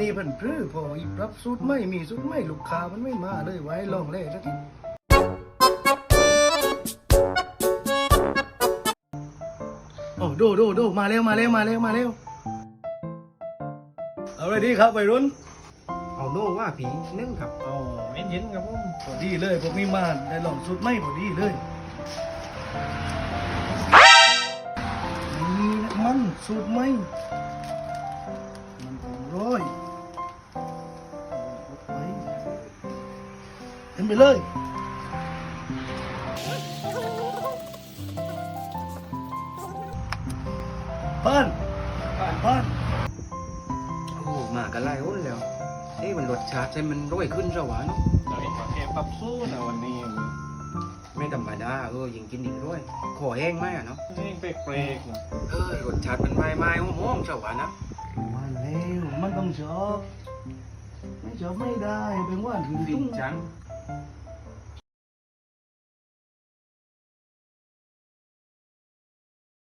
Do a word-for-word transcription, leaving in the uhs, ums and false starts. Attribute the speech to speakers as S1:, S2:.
S1: นี้เพิ่นพรื้อพออีปรับสูตรไม่มีสูตรไม่ลูกค้ามันไม่มาเลยไว้ลองเล่สักทีโอ้ดูดูดูมาเร็วมาเร็วมาเร็วมาเร็วเอาเลยดีครับวัยรุ่น
S2: เอาโน่ว่าผีนึ่งครับ
S1: อ๋อเย็นๆครับผมพอดีเลยพวกนี้มาได้ลองสูตรไม่พอดีเลยนี่มันสูตรไม่มันเป็นร้อยเอาไปเต็มไปเลยบ้านบ้านบ้าน
S2: โอ้มากันไล่อ้นแล้วเอ้มันรสชาติใช่มันร่อยขึ้นสวะเนาะ
S3: เราเองก็แค่ปรับสู้นะวันนี้
S2: ไม่ธรรมดาเออยิงกินอีกด้วยขอแห้งไหมอะเนาะ
S3: เองเปรกๆนะ
S2: เออรสชาติมันไม่ไม่หอมๆสวะนะ
S1: มาแล้วมันต้องชอบไม่ชอบไม่ได้เป็นว่านถึง
S2: ฟิ
S1: ตุ้
S2: น
S1: ง
S2: จัง